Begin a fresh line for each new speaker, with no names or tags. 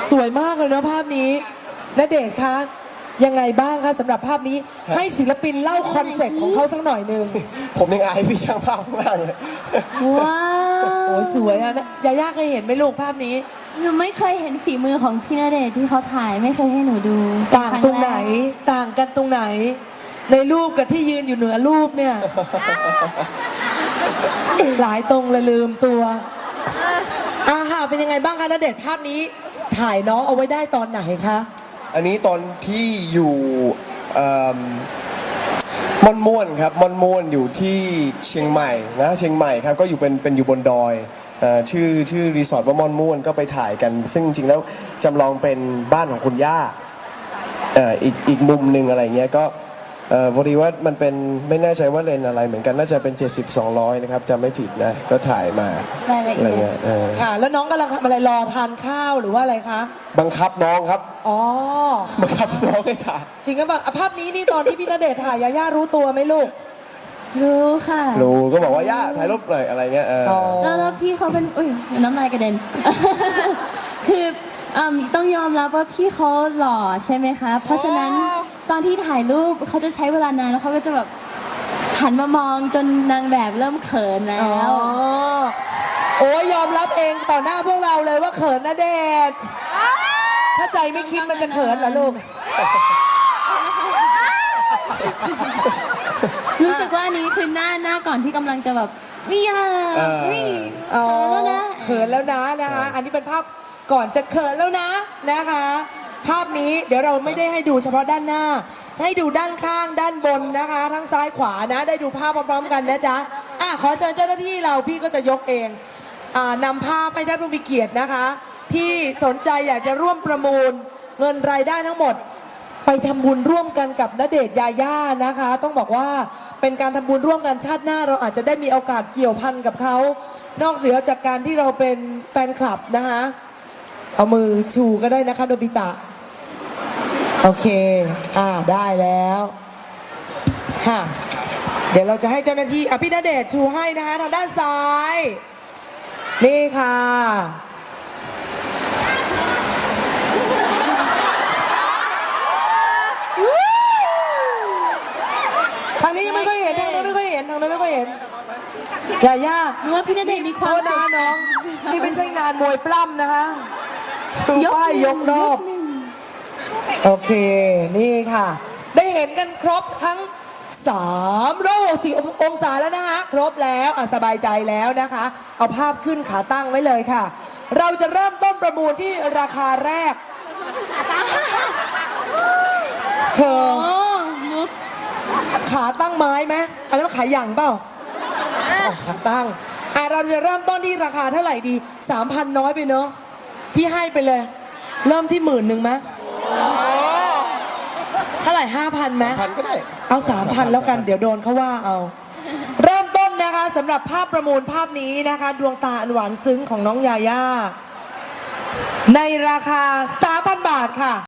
สวยมากเลยเนาะภาพนี้ณเดชน์คะยังไงบ้างคะสำหรับภาพนี้ให้ศิลปินเล่าคอนเซ็ปต์ของเขาสักหน่อยหนึ่ง
ผมยังอายพี่ช่างภาพข้างล่างเลย
ว้าว
โอ้สวยอะยาย่าเคยเห็นไหมลูกภาพนี้
หนูไม่เคยเห็นฝีมือของพี่ณเดชน์ที่เขาถ่ายไม่เคยให้หนูดู
ต่างตรงไหนต่างกันตรงไหน ในรูปกับที่ยืนอยู่เหนือรูปเนี่ย หลายตรงเลยลืมตัวค่ะเป็นยังไงบ้างคะณเดชน์ภาพนี้ถ่ายน้องเอาไว้ได้ตอนไหนคะ
อันนี้ตอนที่อยู่ม่อนม่วนครับม่อนม่วนอยู่ที่เชียงใหม่นะเชียงใหม่ครับก็อยู่เป็นอยู่บนดอยชื่อรีสอร์ทว่าม่อนม่วนก็ไปถ่ายกันซึ่งจริงๆแล้วจำลองเป็นบ้านของคุณย่าอีกมุมหนึ่งอะไรเงี้ยก็พอดีว่ามันเป็นไม่แน่ใจว่าเลนอะไรเหมือนกันน่าจะเป็น70-200นะครับจะไม่ผิดนะก็ถ่ายมาอะไรเงี้ย
ค่ะแล้วน้องกำลังทำอะไรรอทานข้าวหรือว่าอะไรคะ
บังคับน้องครับ
อ๋อ
บังคับน้องให้ถ่าย
จริงก็แบบภาพนี้นี่ตอนที่พี่ณเดชน์ถ่ายยาย่ารู้ตัวไหมลูก
รู้ค่ะ
รู้ก็บอกว่าย่าถ่ายรูปหน่อยอะไรเงี้ย
แล้วพี่เขาเป็นอุ้ยน้ำลายกระเด็น คือต้องยอมรับว่าพี่เขาหล่อใช่ไหมคะเพราะฉะนั้นตอนที่ถ่ายรูปเขาจะใช้เวลานานแล้วเขาก็จะแบบหันมามองจนนางแบบเริ่มเขินแล้ว
โอ้ยยอมรับเองต่อหน้าพวกเราเลยว่าเขินณเดชน์ถ้าใจไม่คิดมันจะเขินเหรอลูก
รู้สึกว่านี้คือหน้าก่อนที่กำลังจะแบบนี่เ
ขินแล้วนะนะคะอันนี้เป็นภาพก่อนจะเขินแล้วนะนะคะภาพนี้เดี๋ยวเราไม่ได้ให้ดูเฉพาะด้านหน้าให้ดูด้านข้างด้านบนนะคะทั้งซ้ายขวานะได้ดูภาพพร้อมๆกันนะจ๊ะขอเชิญเจ้าหน้าที่เราพี่ก็จะยกเองนำภาพให้ท่านผู้มีเกียรตินะคะที่สนใจอยากจะร่วมประมูลเงินรายได้ทั้งหมดไปทำบุญร่วมกันกับณเดชน์ยาย่านะคะต้องบอกว่าเป็นการทำบุญร่วมกันชาติหน้าเราอาจจะได้มีโอกาสเกี่ยวพันกับเขานอกเหนือจากการที่เราเป็นแฟนคลับนะคะเอามือชูก็ได้นะคะโดบิตะโอเคได้แล้วเดี๋ยวเราจะให้เจ้าหน้าที่พี่ณเดชน์ชูให้นะคะทางด้านซ้ายนี่ค่ะทางนี้ไม่ค่อยเห็นทางนั้นไม่ค่อยเห็นทางนั้นไม่ค่อยเห็นย่า
หนูว่าพี่ณเดชน์มีความสุข
น้องนี่ไม่ใช่งานมวยปล้ำนะคะชูป้ายยกรอบโอเคนี่ค่ะได้เห็นกันครบทั้ง360 องศาแล้วนะคะครบแล้วสบายใจแล้วนะคะเอาภาพขึ้นขาตั้งไว้เลยค่ะเราจะเริ่มต้นประมูลที่ราคาแรกเธอขาตั้งไม้ไหมอันนั้นขาหยั่งเปล่าขาตั้งเราจะเริ่มต้นที่ราคาเท่าไหร่ดี 3,000 น้อยไปเนอะพี่ให้ไปเลยเริ่มที่10,000ไหมเท่าไหร่ 5,000ไหม
3,000ก็ได้
เอา 3,000แล้วกันเดี๋ยวโดนเขาว่าเอาเริ่มต้นนะคะสำหรับภาพประมูลภาพนี้นะคะดวงตาอันหวานซึ้งของน้องยาย่าในราคา 3,000 บาทค่ะ